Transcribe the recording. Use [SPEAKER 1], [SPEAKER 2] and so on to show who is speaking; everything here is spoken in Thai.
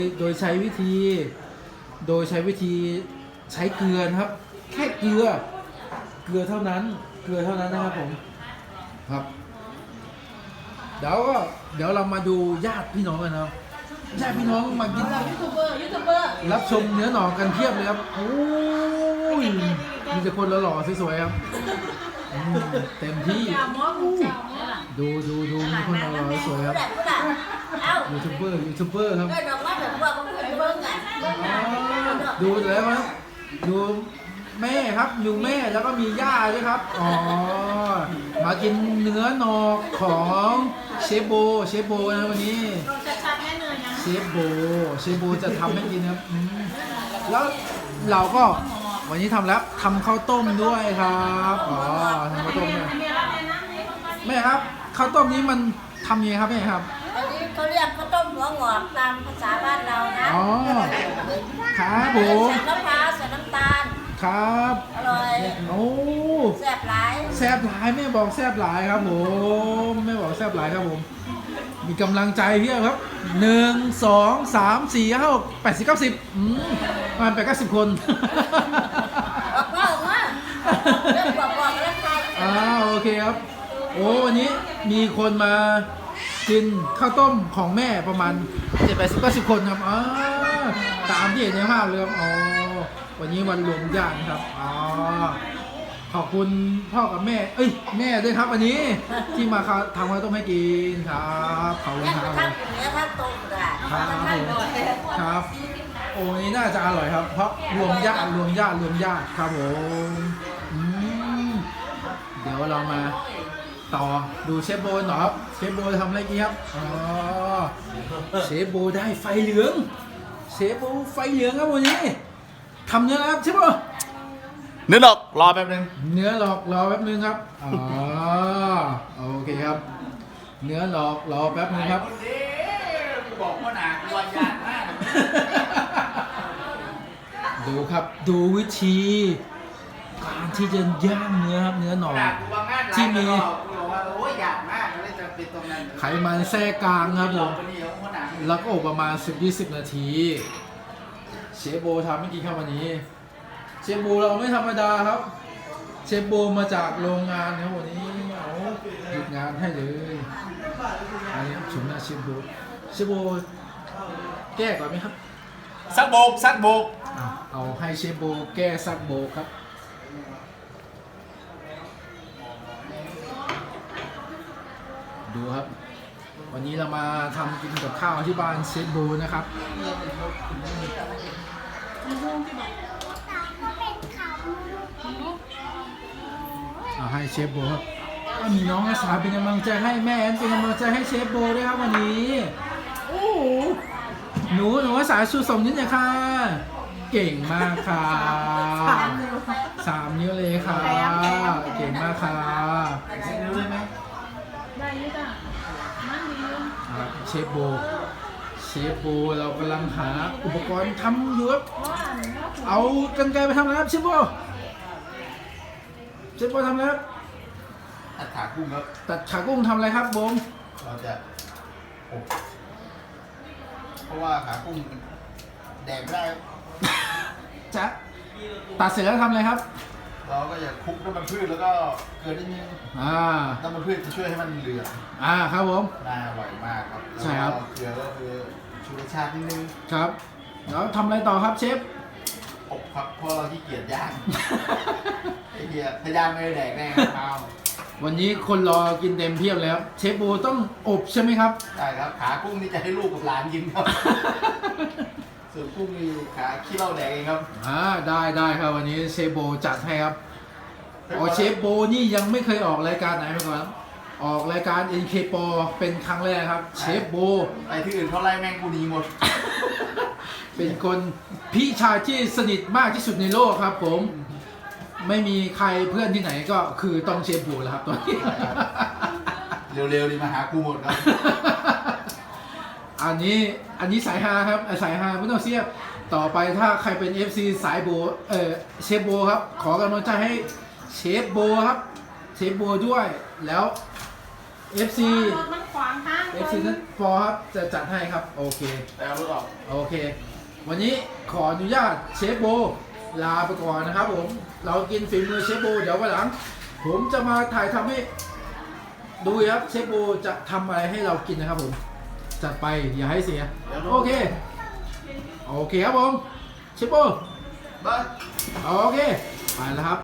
[SPEAKER 1] โดยใช้วิธีใช้เกลือนะครับ แค่เกลือเท่านั้นนะครับผมครับเดี๋ยวเรามาดูญาติพี่น้องกันนะครับญาติพี่น้องมากิน
[SPEAKER 2] ยูทูบเบอร์
[SPEAKER 1] รับชมเนื้อหนองกันเพียบเลยครับโอ้ยมีแต่คนหล่อๆสวยๆครับเต็มที่ดูมีคนหล่อๆสวยครับยูทูบเบอร์ครับดูแล้วครับดูแม่ครับอยู่แม่แล้วก็มีย่าด้วยครับอ๋อมากินเนื้อหนอกของเชฟโบนะวันนี้เชฟโบจะทำให้กินครับแล้วเราก็วันนี้ทำแล้วทำข้าวต้มด้วยครับอ๋อทำข้าวต้มด้วยแม่ครับข้าวต้มนี้มันทำยังไงครับแม่ครับ
[SPEAKER 2] อันนี้เขาเรียกข้าวต้มหัวงอกตามภาษาบ้านเรานะ
[SPEAKER 1] อ๋อครับผม
[SPEAKER 2] ใส่มะพร้าวใส่น้ำตาล
[SPEAKER 1] ครับ
[SPEAKER 2] อร่อย
[SPEAKER 1] โอ้
[SPEAKER 2] แซ่บหลาย
[SPEAKER 1] แม่บอกแซ่บหลายครับผมแม่บอกแซ่บหลายครับผมมีกำลังใจเพียบครับ1 2 3 4 5 6 8 0 9 0ประมาณ80 คน
[SPEAKER 2] ออกมาเรื่องบอกแล้วใคร
[SPEAKER 1] โอเคครับโอ้วันนี้มีคนมากินข้าวต้มของแม่ประมาณ70-80 คนครับตามที่เห็นในภาพเลยครับวันนี้วันรวมญาติครับขอบคุณพ่อกับแม่แม่ด้วยครับวันนี้ที่มาทำข้าวต้มให้กินครับขอบคุณครับครับโอ้นี้น่าจะอร่อยครับเพราะรวมญาติครับผมเดี๋ยวเรามาต่อดูเชฟโบหน่อยครับเชฟโบทำอะไรกินครับเชฟโบได้ไฟเหลืองครับวันนี้ทำเนื้อครับเชฟโบ
[SPEAKER 3] เนื้อหลอกรอแป๊บนึง
[SPEAKER 1] เนื้อหลอกรอแป๊บนึงครับโอเคครับเนื้อหลอกรอแป๊บนึงครับ
[SPEAKER 3] บอกว่าหนักวันยากมาก
[SPEAKER 1] ดูครับดูวิธีการที่จะย่างเนื้อครับเนื้อหนอกที่มีไขมันแทรกกลางครับผมแล้วก็อบประมาณ 10-20 นาทีเชฟโบทำไม่กี่ครับวันนี้เชฟโบเราไม่ธรรมดาครับเชฟโบมาจากโรงงานครับวันนี้หยุดงานให้เลยอันนี้ชมหน้าเชฟโบแก้ก่อนไหมครับ
[SPEAKER 3] ซักโบก
[SPEAKER 1] เอาให้เชฟโบแก้ซักโบกครับดูครับวันนี้เรามาทำกินกับข้าวที่บ้านเชฟโบนะครับให้เชฟโบครับมีน้องอาสาเป็นกำลังใจให้แม่แอนเป็นกำลังใจให้เชฟโบด้วยครับวันนี้โอ้หนูอาสาชูส่งนิดหน่อยค่ะเก่งมากค่ะ3 นิ้วเลยค่ะเก่งมากค่ะ
[SPEAKER 3] นิ้วได้ไหม
[SPEAKER 2] ได้ยุจ้ะมันดี
[SPEAKER 1] เชฟโบเรากำลังหาอุปกรณ์ทำอยู่ครับเอากรรไกรไปทำอะไรครับเชฟโบทำอะไรครับ
[SPEAKER 3] ตัดขากุ้งครับ
[SPEAKER 1] ตัดขากุ้งทำอะไรครับบง
[SPEAKER 3] เราจะอบเพราะว่าขากุ้งแดกไม่ได้
[SPEAKER 1] จะตัดเสร็จแล้วทำอะไรครับ
[SPEAKER 3] เราก็จะคลุกน้ำมันพืชแล้วก็เกลือนิดนึงน้ำมันพืชจะช่วยให้มันเหลือง
[SPEAKER 1] ครับผม
[SPEAKER 3] น่าอร่อยมากครับ
[SPEAKER 1] ใช่ครับ
[SPEAKER 3] เกลือก็คือชูรสชาตินิดนึง
[SPEAKER 1] ครับแล้วทำอะไรต่อครับเชฟ
[SPEAKER 3] อบครับเพราะเราขี้เกียจย่างไอ้เหี้ยถ้าย่างไม่ได้แดกแน่ครับ
[SPEAKER 1] วันนี้คนรอกินเต็มเพียบแล้วเชฟโบต้องอบใช่ไหมครับ
[SPEAKER 3] ใช่ครับขากุ้งนี่จะให้ลูกกับหลานกินครับส่วนกุ้งมีขาขี้เหล้าแดกเองครับ
[SPEAKER 1] ได้ครับวันนี้เชฟโบจัดให้ครับเชฟโบนี่ยังไม่เคยออกรายการไหนมาก่อนออกรายการ NK Pro เป็นครั้งแรกครับเชฟโบ
[SPEAKER 3] ไปที่อื่นเขาไล่แม่งกูดีหมด
[SPEAKER 1] เป็นคนพี่ชายที่สนิทมากที่สุดในโลกครับผมไม่มีใครเพื่อนที่ไหนก็คือต้องเชฟโบแล้วครับตอนนี้
[SPEAKER 3] เร็วๆดีมาหากูหมดครับ
[SPEAKER 1] อันนี้สายฮาครับสายฮาไม่ต้องเสียบต่อไปถ้าใครเป็น FC สายโบเชฟโบครับขอกำลังใจให้เชฟโบครับเชฟโบด้วยแล้ว FC
[SPEAKER 2] มันขวางทาง
[SPEAKER 1] FC นั้นพอครับจะจัดให้ครับโอเค
[SPEAKER 3] แต่เอารถออก
[SPEAKER 1] โอเค วันนี้ขออนุญาตเชฟโบลาไปก่อนนะครับผม เรากินฝีมือเชฟโบเดี๋ยววันหลัง ผมจะมาถ่ายทำให้ดูครับเชฟโบจะทำอะไรให้เรากินนะครับผม จัดไปอย่าให้เสีย โอเค โอเคครับผมเชฟโบ
[SPEAKER 3] บ้าน
[SPEAKER 1] โอเค ไปแล้วครับ